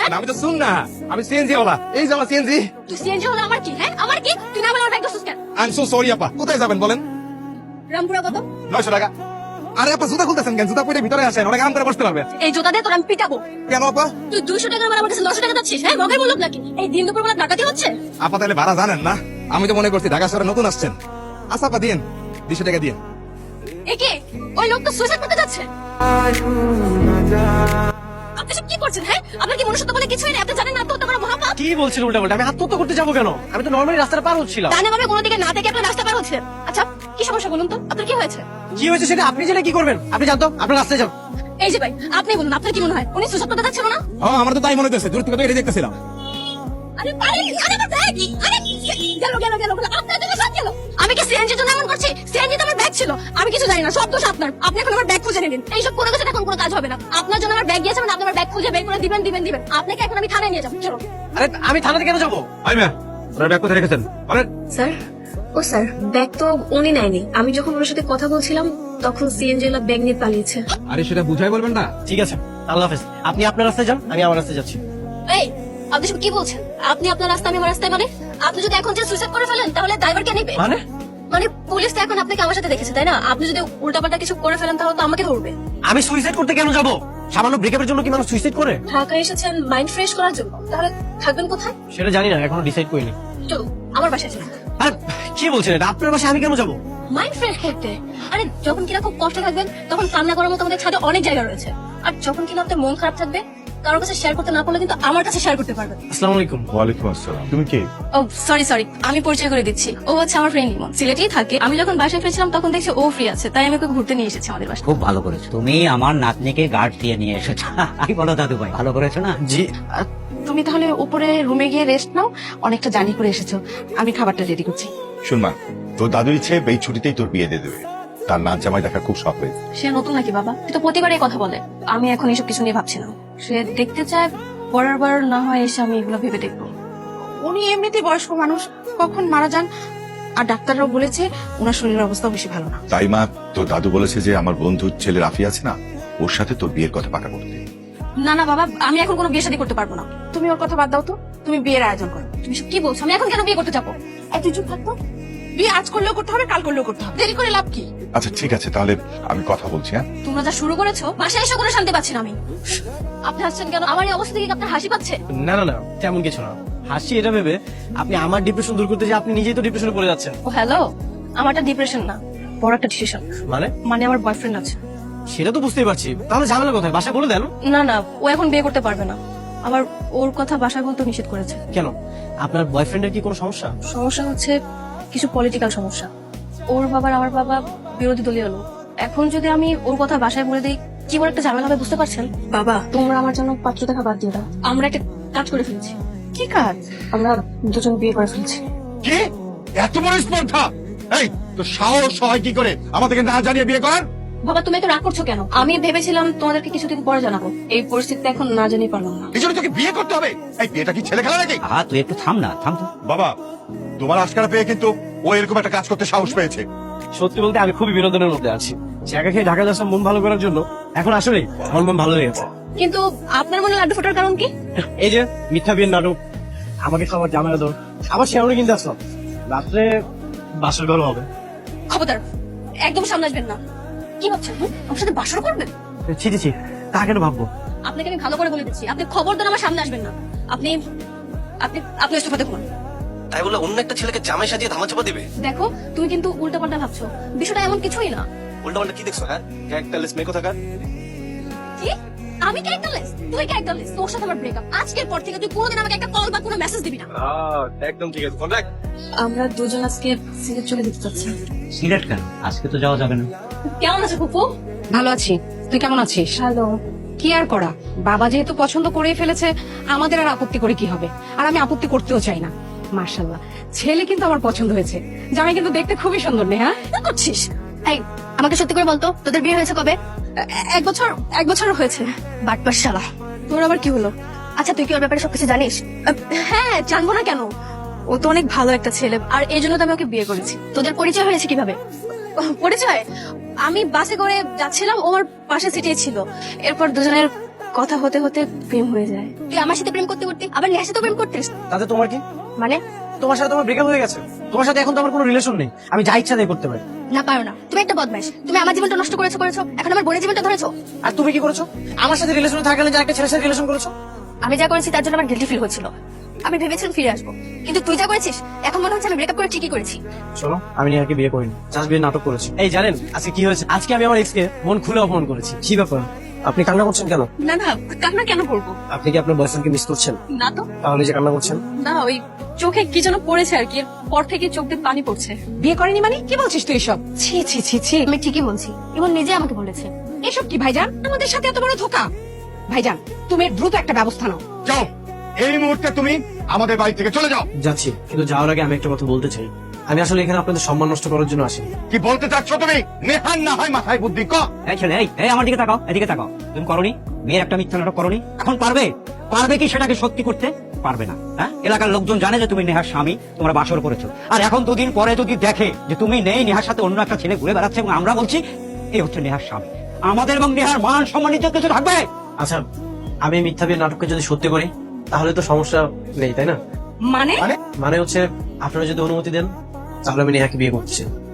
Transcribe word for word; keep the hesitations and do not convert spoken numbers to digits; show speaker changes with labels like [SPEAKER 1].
[SPEAKER 1] আমি তো শুন না, আমি সিএনজি ওলা। এই যে আমার সিএনজি।
[SPEAKER 2] তুই সিএনজি হলো আমার কি? হ্যাঁ আমার কি? তুই না বলে আমার ব্যাগ দোসস কেন?
[SPEAKER 1] আই এম সো সরি আপা। কোথায় যাবেন বলেন?
[SPEAKER 2] রামপুরা কত?
[SPEAKER 1] নয়শো টাকা। আরে আপা জুতা খুলতেছেন কেন? জুতা পরে ভিতরে আসেন, অনেক আরাম করে বসতে পারবে।
[SPEAKER 2] এই জুতা দিয়ে তোর আমি পিটাবো।
[SPEAKER 1] কেন আপা?
[SPEAKER 2] তুই দুইশো টাকা আমার কাছে নয়শো টাকা যাচ্ছিস? হ্যাঁ মগের মূল্য নাকি? এই দিন দুপুর বেলা ডাকাতি হচ্ছে?
[SPEAKER 1] আপা তাহলে ভাড়া জানেন না? আমি তো মনে করছি ঢাকা শহরে নতুন আসছেন। আচ্ছা আপা দিন, দুশো টাকা দিন।
[SPEAKER 2] একে ওই লোক তো সুইসাইড করতে যাচ্ছে। আপনি সব কি করছেন? হ্যাঁ আপনার কি মনুষ্যত্ব বলে কিছুই নেই? আপনি জানেন না আত্মহত্যা করা মহাপাপ?
[SPEAKER 3] কি বলছেন উল্টা পাল্টা? আমি আত্মহত্যা করতে যাবো কেন? আমি তো নর্মালি রাস্তাটা পার হচ্ছিলাম।
[SPEAKER 2] ডানে বামে কোনো দিকে না দেখে আপনার রাস্তা পার হচ্ছে। আচ্ছা কি সমস্যা বলুন তো? আপনার কি হয়েছে?
[SPEAKER 3] কি হয়েছে সেটা আপনি জেনে কি করবেন? আপনি জানতো আপনার রাস্তায় যান।
[SPEAKER 2] এই যে ভাই আপনি বলুন আপনার কি মনে হয় উনি সুইসাইড করতে যাচ্ছিল না?
[SPEAKER 1] হ্যাঁ আমার তো তাই মনে হচ্ছে, দূর থেকে তো এটা দেখতেছিলাম।
[SPEAKER 2] আরে আরে আরে আমার ব্যাগ! আরে গেল গেল গেল গেল আপনার জন্য সব গেল। আমি কি সিএনজির জন্য এমন করছি? সিএনজি তো আমার ব্যাগ ছিল। আমি কিছু জানি না, সব দোষ আপনার। আপনি এখন আমার ব্যাগ খুঁজে নিন। এইসব করে গেছেন, এখন কোনো কাজ হবে না। আপনার জন্য আমার ব্যাগ গিয়েছে মানে আপনি আমার ব্যাগ খুঁজে বের করে দিবেন দিবেন দিবেন। আপনাকে এখন আমি থানায় নিয়ে যাবো। চলো।
[SPEAKER 3] আরে আমি থানাতে কেন যাবো?
[SPEAKER 1] আই ম্যাম, আপনার ব্যাগ কোথায় রেখেছেন? আরে
[SPEAKER 4] স্যার ও স্যার ব্যাগ তো উনি নেয়নি। আমি যখন ওর সাথে কথা বলছিলাম তখন সিএনজি ব্যাগ নিয়ে পালিয়েছে।
[SPEAKER 1] আরে সেটা বুঝাই বলবেন না।
[SPEAKER 3] ঠিক আছে, আল্লাহ হাফেজ। আপনি আপনার রাস্তায় যান, আমি আমার রাস্তায় যাচ্ছি।
[SPEAKER 2] এই আপনি সব কি বলছেন? আপনি আপনার রাস্তা আমি আমার রাস্তায়, মানে আপনি যদি এখন যে সুইসাইড করে ফেলেন তাহলে ড্রাইভার কে নেবে?
[SPEAKER 3] মানে
[SPEAKER 2] মানে পুলিশ তো এখন আপনাকে আমার সাথে দেখেছে তাই না? আপনি যদি উল্টাপাল্টা কিছু করে ফেলেন তাহলে তো আমাকে ধরবে।
[SPEAKER 3] আমি সুইসাইড করতে কেন যাবো? সামান্য ব্রেকআপের জন্য কি মানুষ সুইসাইড করে?
[SPEAKER 2] ঢাকায় এসেছেন মাইন্ড ফ্রেশ করার জন্য, তাহলে থাকবেন কোথায়?
[SPEAKER 3] সেটা জানি না, এখনো ডিসাইড করিনি।
[SPEAKER 2] চলো আমার বাসায় চলুন।
[SPEAKER 3] আরে কি বলছেন এটা? আপনার বাসায় আমি কেন যাবো?
[SPEAKER 2] মাইন্ড ফ্রেশ করতে। আরে যখন কিনা খুব কষ্ট থাকবেন তখন কান্না করার মতো আমাদের ছাদে অনেক জায়গা রয়েছে। আর যখন কিনা আপনার মন খারাপ থাকবে কারোর কাছে শেয়ার করতে না পারলে কিন্তু আমার কাছে শেয়ার করতে পারবেন।
[SPEAKER 3] আসসালামু আলাইকুম।
[SPEAKER 5] ওয়ালাইকুম আসসালাম। তুমি কে?
[SPEAKER 2] ও সরি সরি আমি পরিচয় করে দিচ্ছি। ও হচ্ছে আমার ফ্রেন্ড ইমন, সিলেটেই থাকে। আমি যখন বাসায় ফিরেছিলাম তখন দেখছি ও ফ্রি আছে, তাই আমি ওকে ঘুরতে নিয়ে এসেছি আমাদের বাসায়।
[SPEAKER 6] খুব ভালো করেছো, তুমি আমার নাতনিকে গার্ড দিয়ে নিয়ে এসেছো। কি বলো দাদু ভাই, ভালো করেছো না?
[SPEAKER 3] জি।
[SPEAKER 7] তুমি তাহলে উপরে রুমে গিয়ে রেস্ট নাও, অনেকটা জার্নি করে এসেছো। আমি খাবারটা রেডি করছি।
[SPEAKER 5] শুন মা, তোর দাদুর ইচ্ছে এই ছুটিতেই তোর বিয়ে দিয়ে দেবে। তার নাচ জামাই দেখা খুব শখ হয়েছে।
[SPEAKER 2] সে নতুন নাকি বাবা? তুই তো প্রতিবারই কথা বলে। আমি এখন এসব কিছু নিয়ে ভাবছি না। সে দেখতে চায়, পরের বার না হয় এসে আমি এগুলো ভেবে দেখবো।
[SPEAKER 7] উনি এমনিতেই বয়স্ক মানুষ, কখন মারা যান। আর ডাক্তাররাও বলেছে ওনার শরীরের অবস্থা বেশি ভালো না।
[SPEAKER 5] তাই মা, তোর দাদু বলেছে যে আমার বন্ধুর ছেলে রাফি আছে না, ওর সাথে তোর বিয়ের কথা পাকা করতে।
[SPEAKER 2] না না বাবা, আমি এখন কোনো বিয়ে শাদী করতে পারবো না।
[SPEAKER 7] তুমি ওর কথা বাদ দাও তো, তুমি বিয়ের আয়োজন করো।
[SPEAKER 2] তুমি সব কি বলছো? আমি এখন কেন বিয়ে করতে যাবো?
[SPEAKER 7] আর তুই চুপ থাকতো। বিয়ে আজ করলেও করতে হবে, কাল করলেও করতে হবে, দেরি করে লাভ কি?
[SPEAKER 5] আচ্ছা ঠিক আছে, তাহলে আমি কথা বলছি। হ্যাঁ,
[SPEAKER 2] তোমরা যা শুরু করেছো, বাসায় এসে কোনো শান্তি পাচ্ছি না আমি। আপনি হাসছেন কেন? আমার এই অবস্থা থেকে কি আপনার হাসি পাচ্ছে?
[SPEAKER 3] না না না, তেমন কিছু না। হাসি এটা ভেবে আপনি আমার ডিপ্রেশন দূর করতে যে আপনি নিজেই তো ডিপ্রেশনে পড়ে যাচ্ছেন।
[SPEAKER 2] ও হ্যালো, আমারটা ডিপ্রেশন না, বড় একটা ডিসিশন।
[SPEAKER 3] মানে
[SPEAKER 2] মানে আমার বয়ফ্রেন্ড আছে।
[SPEAKER 3] সেটা তো বুঝতেই পারছি, তাহলে ঝামেলা কোথায়? বাসায় বলে দেন।
[SPEAKER 2] না না, ও এখন বিয়ে করতে পারবে না। আবার ওর কথা বাসায় বলতে নিষেধ করেছে।
[SPEAKER 3] কেন? আপনার বয়ফ্রেন্ডের কি কোনো সমস্যা?
[SPEAKER 2] সমস্যা হচ্ছে কিছু পলিটিক্যাল সমস্যা। ওর বাবার আমার বাবা বিরোধী দলীয় লোক। এখন যদি আমি ওর কথা বাসায় বলে দিই কি বড় একটা ঝামেলা হবে বুঝতে পারছেন? বাবা তোমরা আমার জন্য পাত্র দেখা বাদ দিয়ে দাও। আমরা একটা কাজ করে ফেলছি।
[SPEAKER 7] কি কাজ?
[SPEAKER 2] আমরা দুজন বিয়ে করে ফেলছি।
[SPEAKER 5] কি এত বড় স্পর্ধা? এই তো সাহস হয় কি করে আমাদেরকে না জানিয়ে বিয়ে করার?
[SPEAKER 2] বাবা তুমি তো রাগ করছো কেন? আমি ভেবেছিলাম তোমাদেরকে কিছুদিন পরে জানাবো। এই পরিস্থিতিতে এখন না জানিয়ে পারলাম না।
[SPEAKER 5] এই জন্য তোকে বিয়ে করতে হবে? এই বিয়েটা কি ছেলে খেলা নাকি?
[SPEAKER 6] আহা তুই একটু থাম না, থাম তো।
[SPEAKER 5] বাবা, তোমার আশকারা পেয়ে কিন্তু ও এরকম একটা কাজ করতে সাহস পেয়েছে।
[SPEAKER 3] সত্যি বলতে আমি খুবই বিনোদনের মধ্যে আছি। জায়গা খেয়ে ঢাকা যাচ্ছিলাম মন ভালো করার জন্য, এখন আসলে আমার মন ভালো লেগেছে।
[SPEAKER 2] কিন্তু আপনার মনে লাড্ডু ফোটার কারণ কি?
[SPEAKER 3] এই যে মিথ্যা বিয়ের নাটক, আমাকে সবার জামাই দর, আবার শেয়ারে কিনতে আসলাম। রাত্রে বাসর ঘর হবে।
[SPEAKER 2] খবরদার একদম সামনে আসবেন না। কি ভাবছেন? হুম? আমার সাথে বাসর করবেন?
[SPEAKER 3] ছি ছি ছি, তা কেন ভাববো?
[SPEAKER 2] আপনাকে আমি ভালো করে বলে দিচ্ছি, আপনি খবরদার আমার সামনে আসবেন না। আপনি আপনি আপনি ইস্তফা দেখুন।
[SPEAKER 3] তাই বলে অন্য একটা ছেলেকে জামাই সাজিয়ে ধামাচাপা দিবে?
[SPEAKER 2] দেখো তুমি কিন্তু উল্টাপাল্টা ভাবছো, বিষয়টা এমন কিছুই না।
[SPEAKER 3] উল্টা পাল্টা কি দেখছো? হ্যাঁ, ক্যারেক্টারলেস মেয়ে কোথাকার।
[SPEAKER 2] কি? আমি ক্যারেক্টারলেস? তুই ক্যারেক্টারলেস? তোর সাথে আমার ব্রেকআপ। আজকের পর থেকে তুই কোনোদিন আমাকে একটা কল বা কোনো মেসেজ দিবি না।
[SPEAKER 3] একদম ঠিক আছে, কন্ট্যাক্ট।
[SPEAKER 2] আমরা দুজন আজকে সিলেট চলে যেতে চাচ্ছি।
[SPEAKER 6] সিলেট কেন? আজকে তো যাওয়া যাবে না।
[SPEAKER 2] কেমন আছে ফুফু?
[SPEAKER 7] ভালো আছি, তুই কেমন আছিস?
[SPEAKER 2] হ্যালো।
[SPEAKER 7] কি আর করা, বাবা যেহেতু পছন্দ করেই ফেলেছে, আমাদের আর আপত্তি করে কি হবে? আর আমি আপত্তি করতেও চাই না। মার্শাল্লাহ, ছেলে কিন্তু আমার পছন্দ হয়েছে। জামাই কিন্তু দেখতে খুবই সুন্দর, নেহা।
[SPEAKER 2] কি করছিস? এই আমাকে সত্যি করে বলতো, তোদের বিয়ে হয়েছে কবে? এক বছর এক বছর হয়েছে। বাটপার শালা। তোর আবার কি হলো? আচ্ছা তুই কি ওর ব্যাপারে সবকিছু জানিস? হ্যাঁ জানবো না কেন, ও তো অনেক ভালো একটা ছেলে, আর এই জন্য তো আমি ওকে বিয়ে করেছি। তোদের পরিচয় হয়েছে কিভাবে? পরিচয় আমি বাসে করে যাচ্ছিলাম, ও আমার পাশে সিটেই ছিল। এরপর দুজনের কথা হতে হতে প্রেম হয়ে যায়। তুই আমার সাথে প্রেম করতে করতে আবার নেহার সাথে প্রেম করতিস?
[SPEAKER 3] তাতে তোমার কি?
[SPEAKER 2] মানে
[SPEAKER 3] তোমার সাথে তোমার ব্রেকআপ হয়ে গেছে, তোমার সাথে এখন তো আমার কোনো রিলেশন নেই, আমি যা ইচ্ছা তাই করতে পারি।
[SPEAKER 2] না পারো না, তুমি একটা বদমাইশ। তুমি আমার জীবনটা নষ্ট করেছো করেছো এখন আমার বোনের জীবনটা ধরেছো।
[SPEAKER 3] আর তুমি কি করেছো? আমার সাথে রিলেশনে থাকলে যে একটা ছেলের সাথে রিলেশন করেছো।
[SPEAKER 2] আমি যা করেছি তার জন্য আমার গিল্টি ফিল হচ্ছিল। আমি ভেবেছিলাম ফিরে আসবো, কিন্তু তুই যা করেছিস এখন মনে হচ্ছে আমি ব্রেকআপ করে ঠিকই করেছি।
[SPEAKER 3] শোনো, আমি নিহাকে বিয়ে করিনি, জাস্ট বিয়ে নাটক করেছি। এই জানেন আজকে কি হয়েছে? আজকে আমি আমার এক্সকে মন খুলে অপমান করেছি। কি ব্যাপার, আপনি কান্না করছেন কেন?
[SPEAKER 2] না না, কান্না কেন করবো?
[SPEAKER 3] আপনি কি আপনার বয়ফ্রেন্ডকে মিস করছেন?
[SPEAKER 2] না তো।
[SPEAKER 3] তাহলে যে কান্না করছেন?
[SPEAKER 2] না, ওই চোখে কি যেন পড়েছে আর কি, পর থেকে চোখ দিয়ে পানি পড়ছে।
[SPEAKER 7] বিয়ে করেনি মানে কি বলছিস তুই এসব? ছি ছি ছি ছি।
[SPEAKER 2] আমি ঠিকই বলছি, এবং নিজে আমাকে বলেছে।
[SPEAKER 7] এসব কি ভাইজান, আমাদের সাথে এত বড় ধোকা। ভাইজান তুমি দ্রুত একটা ব্যবস্থা নাও।
[SPEAKER 5] যাও, এই মুহূর্তে তুমি আমাদের বাড়ি থেকে চলে যাও।
[SPEAKER 3] যাচ্ছি, কিন্তু যাওয়ার আগে আমি একটা কথা বলতে চাই। আমি আসলে এখানে আপনাদের সম্মান নষ্ট করার জন্য আসিনি।
[SPEAKER 5] কি বলতে চাচ্ছ তুমি? নেহান না হয় মাথায় বুদ্ধি ক।
[SPEAKER 6] এই ছেলে, এই এই আমার দিকে তাকাও, এদিকে তাকাও। তুমি করনি মেয়ের একটা মিথ্যা নাটক করনি, এখন পারবে? পারবে কি সেটাকে সত্যি করতে? পারবে না। হ্যাঁ, এলাকার লোকজন জানে যে তুমি নেহার স্বামী, তোমরা বাসর করেছো। আর এখন দুদিন পরে যদি দেখে যে তুমি নেই, নেহার সাথে অন্য একটা ছেলে ঘুরে বেড়াচ্ছে, এবং আমরা বলছি এই হচ্ছে নেহার স্বামী, আমাদের এবং নেহার মান সম্মান ইজ্জত কিছু থাকবে?
[SPEAKER 3] আচ্ছা, আমি এই মিথ্যা বিয়ে নাটককে যদি সত্যি করি তাহলে তো সমস্যা নেই, তাই না?
[SPEAKER 7] মানে
[SPEAKER 3] মানে হচ্ছে আপনারা যদি অনুমতি দেন তাহলে আমি নেহাকে বিয়ে করতে চাই।